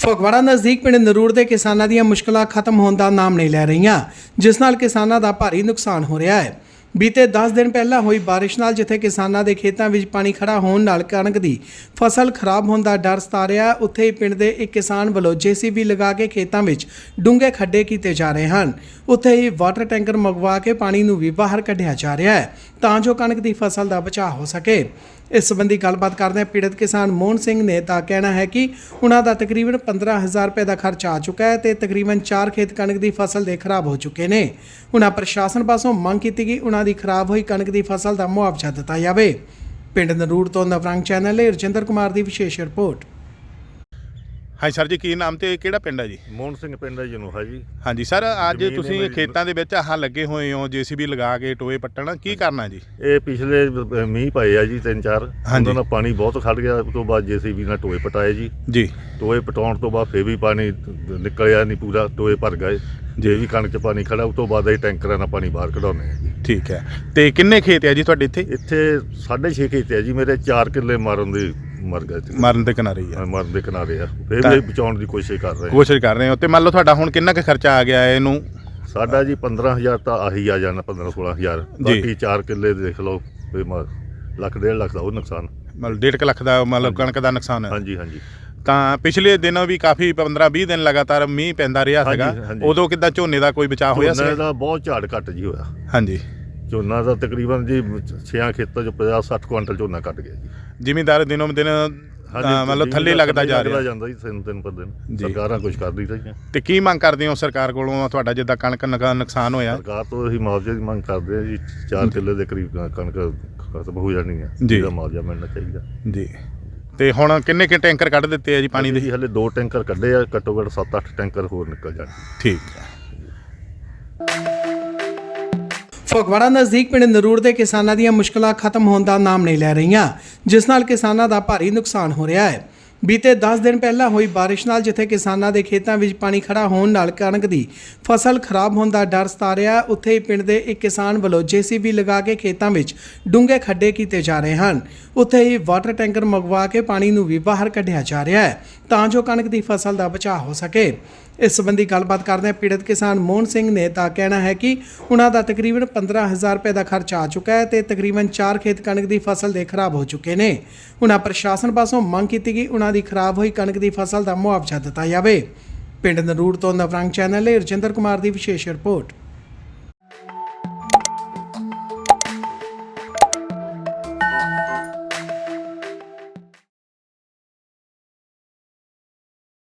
ਫਗਵਾੜਾ ਨਜ਼ਦੀਕ ਪਿੰਡ ਨਰੂੜ ਦੇ ਕਿਸਾਨਾਂ ਦੀਆਂ ਮੁਸ਼ਕਲਾਂ ਖਤਮ ਹੋਣ ਦਾ ਨਾਮ ਨਹੀਂ ਲੈ ਰਹੀਆਂ, ਜਿਸ ਨਾਲ ਕਿਸਾਨਾਂ ਦਾ ਭਾਰੀ ਨੁਕਸਾਨ ਹੋ ਰਿਹਾ ਹੈ। ਬੀਤੇ 10 ਦਿਨ ਪਹਿਲਾਂ ਹੋਈ ਬਾਰਿਸ਼ ਨਾਲ ਜਿੱਥੇ ਕਿਸਾਨਾਂ ਦੇ ਖੇਤਾਂ ਵਿੱਚ ਪਾਣੀ ਖੜਾ ਹੋਣ ਨਾਲ ਕਣਕ ਦੀ ਫਸਲ ਖਰਾਬ ਹੋਣ ਦਾ ਡਰ ਸਤਾ ਰਿਹਾ, ਉੱਥੇ ਹੀ ਪਿੰਡ ਦੇ ਇੱਕ ਕਿਸਾਨ ਵੱਲੋਂ JCB ਲਗਾ ਕੇ ਖੇਤਾਂ ਵਿੱਚ ਡੂੰਘੇ ਖੱਡੇ ਕੀਤੇ ਜਾ ਰਹੇ ਹਨ। ਉੱਥੇ ਹੀ ਵਾਟਰ ਟੈਂਕਰ ਮੰਗਵਾ ਕੇ ਪਾਣੀ ਨੂੰ ਵੀ ਬਾਹਰ ਕੱਢਿਆ ਜਾ ਰਿਹਾ ਹੈ ਤਾਂ ਜੋ ਕਣਕ ਦੀ ਫਸਲ ਦਾ ਬਚਾਅ ਹੋ ਸਕੇ। ਇਸ ਸੰਬੰਧੀ ਗੱਲਬਾਤ ਕਰਦੇ ਪੀੜਤ ਕਿਸਾਨ ਮੋਹਨ ਸਿੰਘ ਨੇ ਤਾਂ ਕਹਿਣਾ ਹੈ ਕਿ ਉਹਨਾਂ ਦਾ ਤਕਰੀਬਨ 15,000 ਰੁਪਏ ਦਾ ਖਰਚ ਆ ਚੁੱਕਾ ਹੈ ਤੇ ਤਕਰੀਬਨ 4 ਖੇਤ ਕਣਕ ਦੀ ਫਸਲ ਦੇ ਖਰਾਬ ਹੋ ਚੁੱਕੇ ਨੇ। ਉਹਨਾਂ ਪ੍ਰਸ਼ਾਸਨ ਪਾਸੋਂ ਮੰਗ ਕੀਤੀ ਕਿ ਉਹਨਾਂ ਦੀ ਖਰਾਬ ਹੋਈ ਕਣਕ ਦੀ ਫਸਲ ਦਾ ਮੁਆਵਜ਼ਾ ਦਿੱਤਾ ਜਾਵੇ। ਪਿੰਡ ਨਰੂੜ ਤੋਂ ਨਵਰੰਗ ਚੈਨਲ ਲਈ ਰਜਿੰਦਰ ਕੁਮਾਰ ਦੀ ਵਿਸ਼ੇਸ਼ ਰਿਪੋਰਟ। ਹਾਂਜੀ ਸਰ ਜੀ, ਕੀ ਨਾਮ ਤੇ ਕਿਹੜਾ ਪਿੰਡ ਹੈ ਜੀ? ਮੋਹਨ ਸਿੰਘ ਪਿੰਡ ਹੈ ਜਨੂਹਾ ਜੀ। ਹਾਂਜੀ ਸਰ, ਅੱਜ ਤੁਸੀਂ ਖੇਤਾਂ ਦੇ ਵਿੱਚ ਆਹ ਲੱਗੇ ਹੋਏ ਹੋ JCB ਲਗਾ ਕੇ ਟੋਏ ਪੱਟਣ, ਕੀ ਕਰਨਾ ਜੀ? ਇਹ ਪਿਛਲੇ ਮੀਂਹ ਪਏ ਆ ਜੀ 3-4, ਉਹਨਾਂ ਨਾਲ ਪਾਣੀ ਬਹੁਤ ਖੜ ਗਿਆ। ਉਸ ਤੋਂ ਬਾਅਦ JCB ਨਾਲ ਟੋਏ ਪਟਾਏ ਜੀ। ਟੋਏ ਪਟਾਉਣ ਤੋਂ ਬਾਅਦ ਫੇਰ ਵੀ ਪਾਣੀ ਨਿਕਲਿਆ ਨਹੀਂ ਪੂਰਾ, ਟੋਏ ਭਰ ਗਏ। ਜੇ ਵੀ ਕਣਕ 'ਚ ਪਾਣੀ ਖੜਾ, ਉਸ ਤੋਂ ਬਾਅਦ ਇਹ ਟੈਂਕਰਾਂ ਨਾਲ ਪਾਣੀ ਬਾਹਰ ਕਢਾਉਂਦੇ ਆ ਜੀ। ਠੀਕ ਹੈ, ਤੇ ਕਿੰਨੇ ਖੇਤ ਆ ਜੀ ਤੁਹਾਡੇ ਇੱਥੇ? ਇੱਥੇ 6.5 ਖੇਤ ਆ ਜੀ ਮੇਰੇ। 4 ਕਿੱਲੇ ਮਰ ਗਏ, ਮਰਨ ਦੇ ਕਿਨਾਰੇ ਹੀ ਆ। ਮਰਨ ਦੇ ਕਿਨਾਰੇ ਆ, ਫੇਰ ਵੀ ਬਚਾਉਣ ਦੀ ਕੋਸ਼ਿਸ਼ ਕਰ ਰਹੇ ਹੋ। ਤੇ ਮੰਨ ਲਓ ਤੁਹਾਡਾ ਹੁਣ ਕਿੰਨਾ ਕੁ ਖਰਚਾ ਆ ਗਿਆ ਇਹਨੂੰ? ਸਾਡਾ ਜੀ 15,000 ਤਾਂ ਆਹੀ ਆ ਜਾਣਾ, 15-16,000। ਬਾਕੀ 4 ਕਿੱਲੇ ਦੇਖ ਲਓ, ਲੱਖ 1.5 ਲੱਖ ਦਾ ਉਹ ਨੁਕਸਾਨ, ਮਤਲਬ 1.5 ਲੱਖ ਦਾ ਮਤਲਬ ਕਣਕ ਦਾ ਨੁਕਸਾਨ ਹੈ। ਹਾਂਜੀ ਹਾਂਜੀ। ਤਾਂ ਪਿਛਲੇ ਦਿਨ ਵੀ ਕਾਫੀ 15-20 ਦਿਨ ਲਗਾਤਾਰ ਮੀਂਹ ਪੈਂਦਾ ਰਿਹਾ ਸੀਗਾ, ਉਦੋਂ ਕਿੱਦਾਂ ਝੋਨੇ ਦਾ ਕੋਈ ਬਚਾਅ ਹੋਇਆ ਸੀ? ਝੋਨੇ ਦਾ ਬਹੁਤ ਝਾੜ ਘੱਟ ਜੀ ਹੋਇਆ। ਹਾਂਜੀ, ਝੋਨਾ ਦਾ ਤਕਰੀਬਨ ਜੀ 6 ਖੇਤਾਂ 'ਚ 50-60 ਕੁਆਂਟਲ ਝੋਨਾ ਘੱਟ ਗਿਆ ਜੀ। ਜ਼ਿਮੀਂਦਾਰ ਦਿਨੋਂ ਦਿਨ ਮਤਲਬ ਥੱਲੇ ਲੱਗਦਾ ਜਾ ਰਿਹਾ ਜਾਂਦਾ ਜੀ, ਦਿਨ ਪਰ ਦਿਨ। ਸਰਕਾਰਾਂ ਕੁਝ ਕਰਦੀ ਰਹੀਆਂ। ਤੇ ਕੀ ਮੰਗ ਕਰਦੇ ਹੋ ਸਰਕਾਰ ਕੋਲੋਂ? ਤੁਹਾਡਾ ਜਿੱਦਾਂ ਕਣਕ ਦਾ ਨੁਕਸਾਨ ਹੋਇਆ, ਸਰਕਾਰ ਤੋਂ ਅਸੀਂ ਮੁਆਵਜ਼ੇ ਦੀ ਮੰਗ ਕਰਦੇ ਹਾਂ ਜੀ। 4 ਕਿੱਲੇ ਦੇ ਕਰੀਬ ਕਣਕ ਖਤਮ ਹੋ ਜਾਣੀ ਹੈ, ਜਿਹਦਾ ਮੁਆਵਜ਼ਾ ਮਿਲਣਾ ਚਾਹੀਦਾ ਜੀ। ਤੇ ਹੁਣ ਕਿੰਨੇ ਕਿ ਟੈਂਕਰ ਕੱਢ ਦਿੱਤੇ ਆ ਜੀ ਪਾਣੀ ਦੇ? ਹਲੇ 2 ਟੈਂਕਰ ਕੱਢੇ ਆ, ਘੱਟੋ ਘੱਟ 7-8 ਟੈਂਕਰ ਹੋਰ ਨਿਕਲ ਜਾਣ। ਠੀਕ ਹੈ। ਫਗਵਾੜਾ ਨਜ਼ਦੀਕ ਪਿੰਡ ਨਰੂੜ ਦੇ ਕਿਸਾਨਾਂ ਦੀਆਂ ਮੁਸ਼ਕਲਾਂ ਖਤਮ ਹੋਣ ਦਾ ਨਾਮ ਨਹੀਂ ਲੈ ਰਹੀਆਂ, ਜਿਸ ਨਾਲ ਕਿਸਾਨਾਂ ਦਾ ਭਾਰੀ ਨੁਕਸਾਨ ਹੋ ਰਿਹਾ ਹੈ। ਬੀਤੇ 10 ਦਿਨ ਪਹਿਲਾਂ ਹੋਈ ਬਾਰਿਸ਼ ਨਾਲ ਜਿੱਥੇ ਕਿਸਾਨਾਂ ਦੇ ਖੇਤਾਂ ਵਿੱਚ ਪਾਣੀ ਖੜਾ ਹੋਣ ਨਾਲ ਕਣਕ ਦੀ ਫਸਲ ਖਰਾਬ ਹੋਣ ਦਾ ਡਰ ਸਤਾ ਰਿਹਾ, ਉੱਥੇ ਹੀ ਪਿੰਡ ਦੇ ਇੱਕ ਕਿਸਾਨ ਵੱਲੋਂ JCB ਲਗਾ ਕੇ ਖੇਤਾਂ ਵਿੱਚ ਡੂੰਘੇ ਖੱਡੇ ਕੀਤੇ ਜਾ ਰਹੇ ਹਨ। ਉੱਥੇ ਹੀ ਵਾਟਰ ਟੈਂਕਰ ਮੰਗਵਾ ਕੇ ਪਾਣੀ ਨੂੰ ਵੀ ਬਾਹਰ ਕੱਢਿਆ ਜਾ ਰਿਹਾ ਹੈ ਤਾਂ ਜੋ ਕਣਕ ਦੀ ਫਸਲ ਦਾ ਬਚਾਅ ਹੋ ਸਕੇ। ਇਸ ਸੰਬੰਧੀ ਗੱਲਬਾਤ ਕਰਦੇ ਪੀੜਤ ਕਿਸਾਨ ਮੋਹਨ ਸਿੰਘ ਨੇ ਤਾਂ ਕਹਿਣਾ ਹੈ ਕਿ ਉਹਨਾਂ ਦਾ ਤਕਰੀਬਨ 15,000 ਰੁਪਏ ਦਾ ਖਰਚ ਆ ਚੁੱਕਾ ਹੈ ਤੇ ਤਕਰੀਬਨ 4 ਖੇਤ ਕਣਕ ਦੀ ਫਸਲ ਦੇ ਖਰਾਬ ਹੋ ਚੁੱਕੇ ਨੇ। ਉਹਨਾਂ ਪ੍ਰਸ਼ਾਸਨ ਪਾਸੋਂ ਮੰਗ ਕੀਤੀ ਕਿ ਉਹਨਾਂ ਦੀ ਖਰਾਬ ਹੋਈ ਕਣਕ ਦੀ ਫਸਲ ਦਾ ਮੁਆਵਜ਼ਾ ਦਿੱਤਾ ਜਾਵੇ। ਪਿੰਡ ਨਰੂੜ ਤੋਂ ਨਵਰੰਗ ਚੈਨਲ ਲਈ ਰਜਿੰਦਰ ਕੁਮਾਰ ਦੀ ਵਿਸ਼ੇਸ਼ ਰਿਪੋਰਟ।